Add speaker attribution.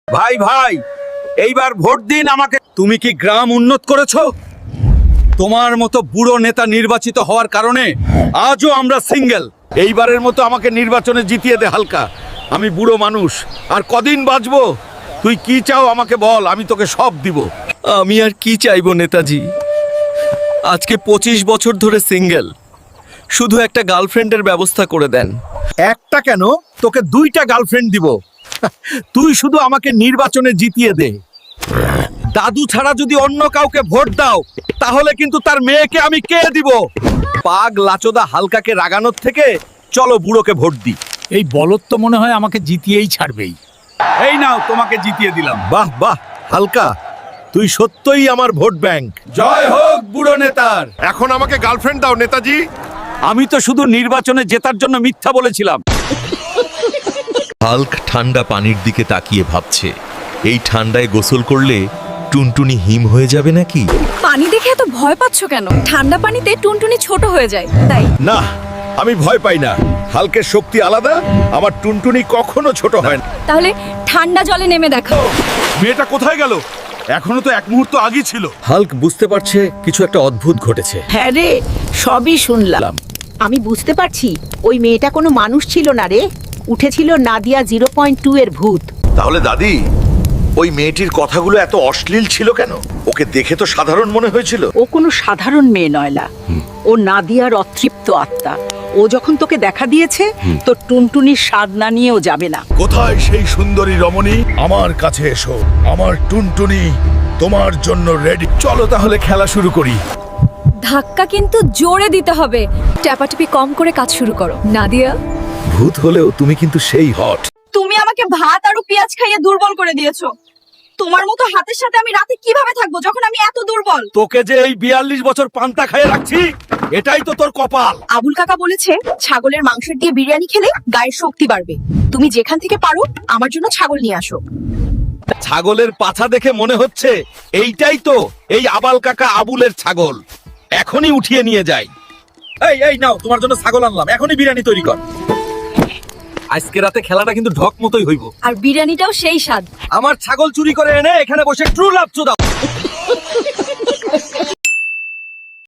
Speaker 1: ভাই ভাই, এইবার ভোট দিন আমাকে। তুমি কি গ্রাম উন্নত করেছো? তোমার মতো বুড়ো নেতা নির্বাচিত হওয়ার কারণে আজও আমরা সিঙ্গেল। এইবারের মতো আমাকে নির্বাচনে জিতিয়ে দে হালকা। আমি বুড়ো মানুষ, আর কদিন বাঁচবো? তুই কি চাও আমাকে বল, আমি তোকে সব দিব।
Speaker 2: আমি আর কি চাইবো নেতাজি, আজকে 25 বছর ধরে সিঙ্গেল। শুধু একটা গার্লফ্রেন্ডের ব্যবস্থা করে দেন।
Speaker 1: একটা কেন, তোকে 2টা গার্লফ্রেন্ড দিব। তুই শুধু আমাকে নির্বাচনে জিতিয়ে দে। দাদু ছাড়া যদি অন্য কাউকে ভোট দাও, তাহলে কিন্তু তার মেয়েকে আমি কে দিব। পাগ লাচোদা হালকাকে রাগানোর থেকে চলো বুড়োকে ভোট দি।
Speaker 3: এই বলদ তো মনে হয় আমাকে জিতিয়েই ছাড়বেই।
Speaker 1: এই নাও, তোমাকে জিতিয়ে দিলাম। বাহ বাহ হালকা, তুই সত্যই আমার ভোট ব্যাংক। জয় হোক বুড়ো নেতার।
Speaker 4: এখন আমাকে গার্লফ্রেন্ড দাও নেতাজি।
Speaker 1: আমি তো শুধু নির্বাচনে জেতার জন্য মিথ্যা বলেছিলাম।
Speaker 2: হাল্ক ঠান্ডা পানির দিকে তাকিয়ে ভাবছে, এই ঠান্ডায় গোসল করলে টুনটুনি হিম হয়ে যাবে নাকি?
Speaker 5: পানি দেখে এত ভয় পাচ্ছ কেন? ঠান্ডা পানিতে টুনটুনি ছোট হয়ে যায়, তাই।
Speaker 1: না, আমি ভয় পাই না। হালকের শক্তি আলাদা, আমার টুনটুনি কখনো ছোট হয় না।
Speaker 5: তাহলে ঠান্ডা জলে নেমে দেখো।
Speaker 1: মেয়েটা কোথায় গেল? এখনো তো এক মুহূর্ত আগেই ছিল।
Speaker 2: হাল্ক বুঝতে পারছে কিছু একটা অদ্ভুত ঘটেছে।
Speaker 6: হ্যাঁ রে, সবই শুনলাম। আমি বুঝতে পারছি ওই মেয়েটা কোনো মানুষ ছিল না রে, উঠেছিল নাদিয়া 0.2 এর ভূত।
Speaker 4: তাহলে দাদি, ওই মেয়েটির কথাগুলো এত অশ্লীল ছিল কেন? ওকে দেখে তো সাধারণ মনে হয়েছিল।
Speaker 6: ও কোনো সাধারণ মেয়ে নয়লা, ও নাদিয়ার অতৃপ্ত আত্মা। ও যখন তোকে দেখা দিয়েছে, তো টুনটুনির স্বাদ না নিয়েও যাবে না।
Speaker 4: কোথায় সেই সুন্দরী রমণী? আমার কাছে এসো, আমার টুনটুনি তোমার জন্য রেডি।
Speaker 1: চলো তাহলে খেলা শুরু করি।
Speaker 5: ধাক্কা কিন্তু জোরে দিতে হবে। ট্যাপাটুপি কম করে কাজ শুরু করো। নাদিয়া,
Speaker 1: ভূত হলেও তুমি কিন্তু সেই হট।
Speaker 5: তুমি আমাকে ভাত আর পেঁয়াজ খাইয়ে দুর্বল করে দিয়েছো। তোমার মতো হাতের সাথে আমি রাতে কিভাবে থাকবো যখন আমি এত দুর্বল?
Speaker 1: তোকে যে এই 42 বছর পান্তা খাইয়ে রাখছি, এটাই তো তোর কপাল।
Speaker 5: আবুল কাকা বলেছে ছাগলের মাংস দিয়ে বিরিয়ানি খেলে গায়ের শক্তি বাড়বে। তুমি যেখান থেকে পারো আমার জন্য ছাগল নিয়ে আসো।
Speaker 1: ছাগলের পাছা দেখে মনে হচ্ছে এইটাই তো এই আবাল কাকা আবুলের ছাগল। এখনই উঠিয়ে নিয়ে যাই। এই এই নাও, তোমার জন্য ছাগল আনলাম, এখনই বিরিয়ানি তৈরি কর। আজকে রাতে খেলাটা কিন্তু ঢক মতোই হইব।
Speaker 5: আর বিরিয়ানিটাও সেই স্বাদ।
Speaker 1: আমার ছাগল চুরি করে এনে এখানে বসে ট্রু লাভ চোদাও।